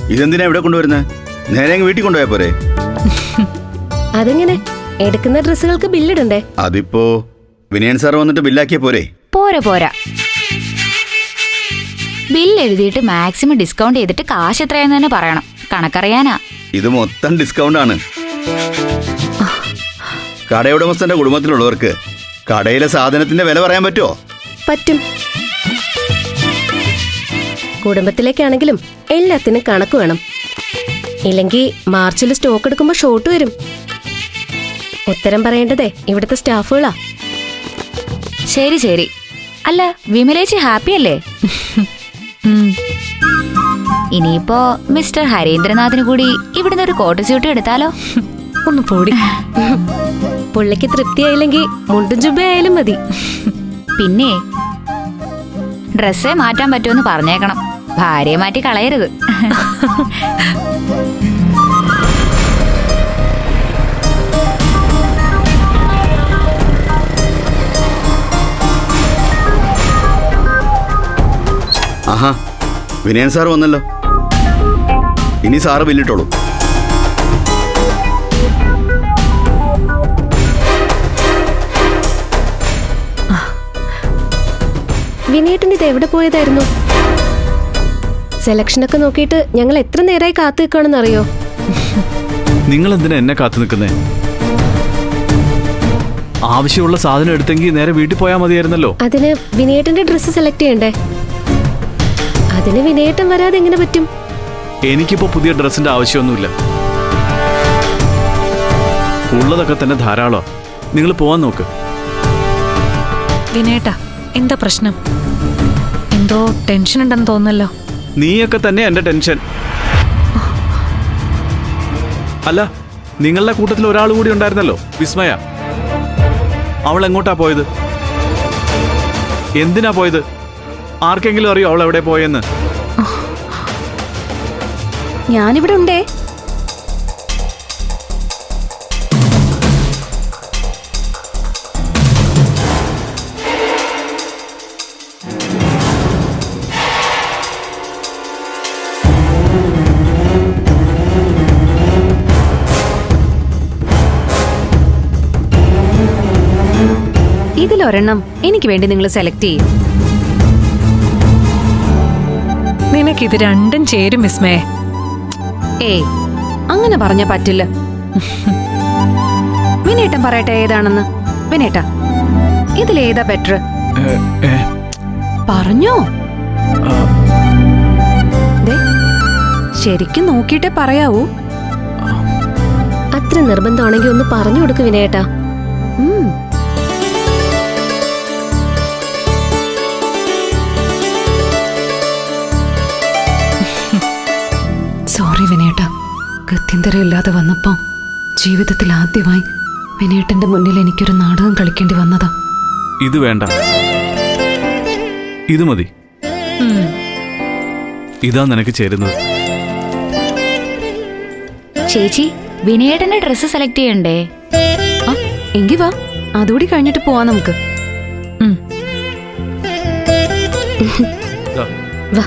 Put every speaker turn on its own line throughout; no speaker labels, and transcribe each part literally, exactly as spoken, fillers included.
ഇതെന്തിനാ ഇവിടെ കൊണ്ടുവരുന്നത്? നേരെ അങ്ങ് വീട്ടിൽ കൊണ്ടുപോയാ പോരെ?
അതെങ്ങനെ? എടുക്കുന്ന ഡ്രസ്സുകൾക്ക് ബില്ലിടണ്ടേ?
അതിപ്പോ വിനയൻ സാർ വന്നിട്ട് ബില്ലാക്കിയ പോരെ?
പോരാ പോരാ, ബില്ല് എഴുതിയിട്ട് മാക്സിമം ഡിസ്കൗണ്ട് ചെയ്തിട്ട് കാശ് എത്രയാന്ന് തന്നെ പറയണം. കണക്കറിയാനാ.
ഇത് മൊത്തം ഡിസ്കൗണ്ട് ആണ്. കടയുടമസ്ഥന്റെ കുടുംബത്തിലുള്ളവർക്ക് കടയിലെ സാധനത്തിന്റെ വില പറയാൻ പറ്റുമോ?
പറ്റും. കുടുംബത്തിലേക്കാണെങ്കിലും എല്ലാത്തിനും കണക്ക് വേണം. ഇല്ലെങ്കിൽ മാർച്ചിൽ സ്റ്റോക്ക് എടുക്കുമ്പോ ഷോർട്ട് വരും. ഉത്തരം പറയേണ്ടതേ ഇവിടുത്തെ സ്റ്റാഫുകളാ.
ശരി ശരി. അല്ല, വിമലേച്ചി ഹാപ്പി അല്ലേ? ഇനിയിപ്പോ മിസ്റ്റർ ഹരീന്ദ്രനാഥിന് കൂടി ഇവിടുന്ന് ഒരു കോട്ട് സ്യൂട്ട് എടുത്താലോ?
ഒന്ന് പോടി. പുള്ളിക്ക് തൃപ്തിയായില്ലെങ്കിൽ മുണ്ടും ജുബയായാലും മതി.
പിന്നെ ഡ്രസ്സേ മാറ്റാൻ പറ്റുമെന്ന് പറഞ്ഞേക്കണം. ഭാര്യയെ മാറ്റി കളയരുത്.
ആഹാ, വിനയൻ സാർ വന്നല്ലോ. ഇനി സാറ് ബില്ലിട്ടോളൂ.
വിനയേട്ടൻ ഇത് എവിടെ പോയതായിരുന്നു? സെലക്ഷനൊക്കെ നോക്കിയിട്ട് ഞങ്ങൾ എത്ര നേരമായി കാത്തു നിൽക്കുകയാണെന്ന് അറിയോ?
നിങ്ങൾ എന്തിനാ എന്നെ കാത്തു നിൽക്കുന്നേ? ആവശ്യമുള്ള സാധനം എടുത്തെങ്കിൽ നേരെ വീട്ടിൽ പോയാൽ മതിയായിരുന്നല്ലോ.
അതിന് വിനയേട്ടന്റെ ഡ്രസ്സ് സെലക്ട് ചെയ്യണ്ടേ? അതിന് വിനയേട്ടൻ വരാതെ എങ്ങനെ പറ്റും?
എനിക്കിപ്പോ പുതിയ ഡ്രസ്സിന്റെ ആവശ്യമൊന്നുമില്ല. ഉള്ളതൊക്കെ തന്നെ ധാരാളം. നിങ്ങൾ പോവാൻ നോക്ക്.
വിനയേട്ടാ, എന്താ പ്രശ്നം? എന്തോ ടെൻഷൻ ഉണ്ടെന്ന് തോന്നല്ലോ.
നീയൊക്കെ തന്നെ എന്റെ ടെൻഷൻ. അല്ല, നിങ്ങളുടെ കൂട്ടത്തിൽ ഒരാൾ കൂടി ഉണ്ടായിരുന്നല്ലോ, വിസ്മയ. അവൾ എങ്ങോട്ടാ പോയത്? എന്തിനാ പോയത്? ആർക്കെങ്കിലും അറിയോ അവൾ എവിടെ പോയെന്ന്?
ഞാനിവിടെ ഉണ്ടേ. ഇതിലൊരെണ്ണം എനിക്ക് വേണ്ടി നിങ്ങൾ സെലക്ട് ചെയ്യും.
നിനക്കിത് രണ്ടും ചേരും വിസ്മയെ.
ഏയ്, അങ്ങനെ പറഞ്ഞ പറ്റില്ല. വിനേട്ടൻ പറയട്ടെ ഏതാണെന്ന്. വിനേട്ടാ, ഇതിലേതാ ബെറ്റർ? പറഞ്ഞോ. ശരിക്കും നോക്കിയിട്ടേ പറയാവൂ.
അത്ര നിർബന്ധമാണെങ്കിൽ ഒന്ന് പറഞ്ഞു കൊടുക്ക് വിനയേട്ടാ.
സോറി വിനേട്ട, ഗത്യന്തരമില്ലാതെ വന്നപ്പോ ജീവിതത്തിൽ ആദ്യമായി വിനേട്ടന്റെ മുന്നിൽ എനിക്കൊരു നാടകം കളിക്കേണ്ടി വന്നതാ.
ഇത് വേണ്ട, ഇത് മതി. ഇതാ നിനക്ക് ചേരുന്നത്.
ചേച്ചി, വിനയേട്ടന്റെ ഡ്രസ്സ് സെലക്ട് ചെയ്യണ്ടേ?
എങ്കി വാ, അതുകൂടി കഴിഞ്ഞിട്ട് പോവാ നമുക്ക്.
വാ.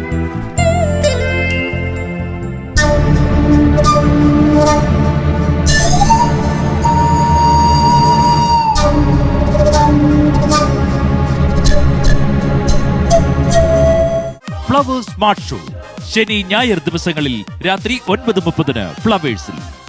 ഫ്ലവേഴ്സ് സ്മാർട്ട് ഷോ ശനി ഞായർ ദിവസങ്ങളിൽ രാത്രി ഒൻപത് മുപ്പതിന് ഫ്ലവേഴ്സിൽ.